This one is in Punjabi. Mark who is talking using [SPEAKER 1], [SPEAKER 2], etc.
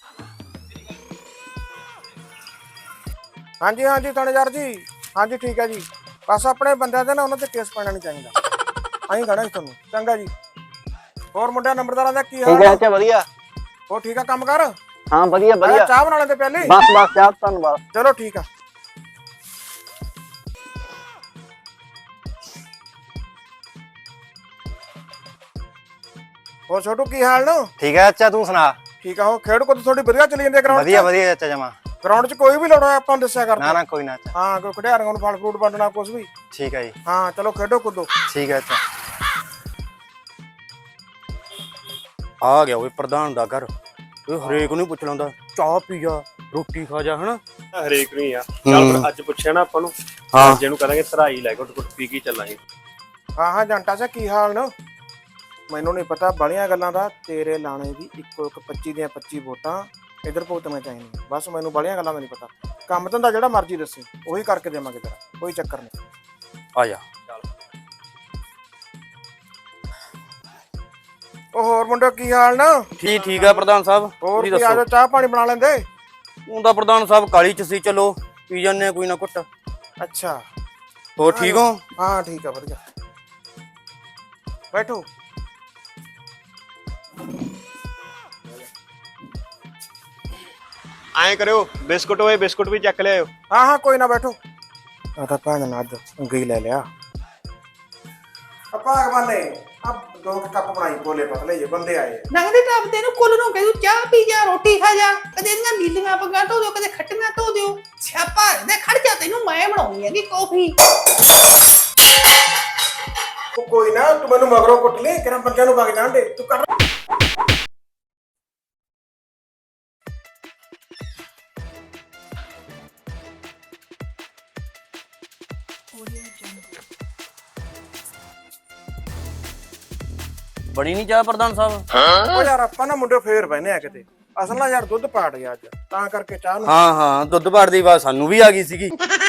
[SPEAKER 1] ਹਾਂਜੀ ਹਾਂਜੀ ਥਾਣੇਦਾਰ ਜੀ, ਹਾਂਜੀ ਠੀਕ ਹੈ ਜੀ। ਬਸ ਆਪਣੇ ਬੰਦਿਆਂ ਦੇ ਨਾ ਉਹਨਾਂ ਤੇ ਕੇਸ ਪੈਣਾ ਨਹੀਂ ਚਾਹੀਦਾ। ਅਸੀਂ ਕਹਿਣਾ ਸੀ ਤੁਹਾਨੂੰ। ਚੰਗਾ ਜੀ। ਹੋਰ ਮੁੰਡਿਆਂ ਨੰਬਰਦਾਰਾਂ ਦਾ ਕੀ
[SPEAKER 2] ਠੀਕ
[SPEAKER 1] ਹਾਲ
[SPEAKER 2] ਹੈ
[SPEAKER 1] ਆ?
[SPEAKER 2] ਅੱਛਾ ਵਧੀਆ।
[SPEAKER 1] ਹੋਰ ਠੀਕ ਆ ਕੰਮ ਕਰ?
[SPEAKER 2] ਹਾਂ ਵਧੀਆ
[SPEAKER 1] ਆਇਆ
[SPEAKER 2] ਵਧੀਆ।
[SPEAKER 1] ਚਾਹ ਬਣਾ ਲੈਂਦੇ ਪਹਿਲੇ।
[SPEAKER 2] ਬਸ ਬਸ ਚਾਹ ਧੰਨਵਾਦ।
[SPEAKER 1] ਚਲੋ ਠੀਕ ਆ। ਹੋਰ ਛੋਟੂ ਕੀ ਹਾਲ ਨੇ?
[SPEAKER 2] ਠੀਕ ਹੈ ਅੱਛਾ ਤੂੰ ਸੁਣਾ।
[SPEAKER 1] ਠੀਕ ਆ। ਉਹ ਖੇਡ ਕੁੱਦ ਥੋੜੀ ਵਧੀਆ ਚੱਲੀ ਜਾਂਦੀ ਗਰਾਊਂਡ 'ਚ?
[SPEAKER 2] ਵਧੀਆ ਵਧੀਆ ਚਾਚਾ ਜਮਾ।
[SPEAKER 1] ਗਰਾਊਂਡ 'ਚ ਕੋਈ ਵੀ ਲੜੋ ਆਪਾਂ ਨੂੰ ਦੱਸਿਆ ਕਰ।
[SPEAKER 2] ਨਾ ਨਾ ਕੋਈ ਨਾ ਅੱਛਾ।
[SPEAKER 1] ਹਾਂ ਕੋਈ ਖਿਡਾਰੀਆਂ ਨੂੰ ਫਲ ਫਰੂਟ ਵੰਡਣਾ ਕੁਝ ਵੀ।
[SPEAKER 2] ਠੀਕ ਹੈ ਜੀ।
[SPEAKER 1] ਹਾਂ ਚਲੋ ਖੇਡੋ ਕੁੱਦੋ।
[SPEAKER 2] ਠੀਕ ਹੈ ਅੱਛਾ।
[SPEAKER 3] ਆ ਗਿਆ ਓਏ ਪ੍ਰਧਾਨ ਦਾ ਘਰ। ਇਹ ਹਰੇਕ ਨੂੰ ਪੁੱਛ ਲੈਂਦਾ ਚਾਹ ਪੀ ਜਾ, ਰੋਟੀ ਖਾ ਜਾ, ਹਨਾ।
[SPEAKER 4] ਹਰੇਕ ਨੂੰ ਹੀ ਆ। ਚੱਲ ਫਿਰ ਅੱਜ ਪੁੱਛਿਆ ਨਾ ਆਪਾਂ ਨੂੰ,
[SPEAKER 3] ਹਾਂ
[SPEAKER 4] ਅੱਜ ਇਹਨੂੰ ਕਰਾਂਗੇ ਧਰਾਈ ਲੈ ਘੁੱਟ ਘੁੱਟ ਪੀ ਕੇ ਚੱਲਾਂਗੇ।
[SPEAKER 1] ਹਾਂ ਹਾਂ ਜੰਟਾ ਸਾ ਕੀ ਹਾਲ ਨੇ? ਮੈਨੂੰ ਨਹੀਂ ਪਤਾ ਬੜੀਆਂ ਗੱਲਾਂ ਦਾ। ਤੇਰੇ ਲਾਣੇ ਦੀ ਇੱਕੋ ਇੱਕ 25 ਦੀਆਂ 25 ਵੋਟਾਂ ਇੱਧਰ ਭੁਗਤਣੀਆਂ ਚਾਹੀਦੀਆਂ। ਬਸ ਮੈਨੂੰ ਬੜੀਆਂ ਗੱਲਾਂ ਦਾ ਨਹੀਂ ਪਤਾ। ਕੰਮ ਧੰਦਾ ਜਿਹੜਾ ਮਰਜ਼ੀ ਦੱਸੀ ਉਹੀ ਕਰਕੇ ਦੇਵਾਂਗੇ ਤੇਰਾ, ਕੋਈ ਚੱਕਰ ਨਹੀਂ।
[SPEAKER 3] ਆ ਜਾ।
[SPEAKER 1] ਉਹ ਹੋਰ ਮੁੰਡੇ ਕੀ ਹਾਲ ਨੇ?
[SPEAKER 3] ਠੀਕ ਠੀਕ ਆ ਪ੍ਰਧਾਨ ਸਾਹਿਬ,
[SPEAKER 1] ਹੋਰ
[SPEAKER 3] ਤੁਸੀਂ
[SPEAKER 1] ਕੀ ਆ
[SPEAKER 3] ਦੱਸੋ।
[SPEAKER 1] ਜਾ ਚਾਹ ਪਾਣੀ ਬਣਾ ਲੈਂਦੇ।
[SPEAKER 3] ਉਹ ਤਾਂ ਪ੍ਰਧਾਨ ਸਾਹਿਬ ਕਾਲੀ ਚ ਸੀ, ਚਲੋ ਪੀ ਜਾਂਦੇ ਆ ਕੋਈ ਨਾ ਘੁੱਟ।
[SPEAKER 1] ਅੱਛਾ
[SPEAKER 3] ਹੋਰ ਠੀਕ ਹੋ?
[SPEAKER 1] ਹਾਂ ਠੀਕ ਆ ਵਧੀਆ। ਬੈਠੋ।
[SPEAKER 4] ਐਂ ਕਰਿਓ ਬਿਸਕੁਟ ਹੋਏ ਬਿਸਕੁਟ ਵੀ ਚੱਕ ਲਿਆਓ।
[SPEAKER 1] ਹਾਂ ਹਾਂ ਕੋਈ ਨਾ ਬੈਠੋ। ਆ ਤਾਂ ਭੈਣ ਨੇ ਅੱਜ ਉਂਗਲੀ ਲੈ ਲਿਆ। ਆਪਾਂ ਅਗਵਾਨੇ ਆ ਦੋ ਕੱਪ ਬਣਾਈ ਬੋਲੇ ਪਤਲੇ ਜੇ ਬੰਦੇ ਆਏ।
[SPEAKER 5] ਨੰਗਦੇ ਟੱਪ ਤੇ ਨੂੰ ਕੁੱਲ ਨੂੰ ਕਹਿ ਤੂੰ ਚਾਹ ਪੀ ਜਾ, ਰੋਟੀ ਖਾ ਜਾ। ਕਦੇ ਇਹਨਾਂ ਨੀਲੀਆਂ ਪੱਗਾਂ ਧੋ ਦਿਓ, ਕਦੇ ਖੱਟੀਆਂ ਧੋ ਦਿਓ। ਛਾਪਾ ਦੇ ਖੜ ਜਾ, ਤੈਨੂੰ ਮੈਂ ਬਣਾਉਣੀ ਹੈਗੀ ਕੌਫੀ।
[SPEAKER 1] ਉਹ ਕੋਈ ਨਾ ਤੂੰ ਮੈਨੂੰ ਮਗਰੋਂ ਕੁੱਟ ਲਈ, ਕਿਹੜਾ ਬੰਦਿਆਂ ਨੂੰ ਵਗ ਜਾਣ ਦੇ ਤੂੰ ਕਰ।
[SPEAKER 3] ਬਣੀ ਨਹੀਂ ਚਾਹ ਪ੍ਰਧਾਨ ਸਾਹਿਬ?
[SPEAKER 1] ਉਹ ਯਾਰ ਆਪਾਂ ਨਾ ਮੁੰਡੇ ਫੇਰ ਬਹਿਨੇ ਆ ਕਿਤੇ। ਅਸਲ ਨਾਲ ਯਾਰ ਦੁੱਧ ਪਾੜ ਗਿਆ ਅੱਜ, ਤਾਂ ਕਰਕੇ ਚਾਹ ਨੂੰ।
[SPEAKER 3] ਹਾਂ ਹਾਂ ਦੁੱਧ ਪਾੜ ਦੀ ਆਵਾਜ਼ ਸਾਨੂੰ ਵੀ ਆ ਗਈ ਸੀਗੀ।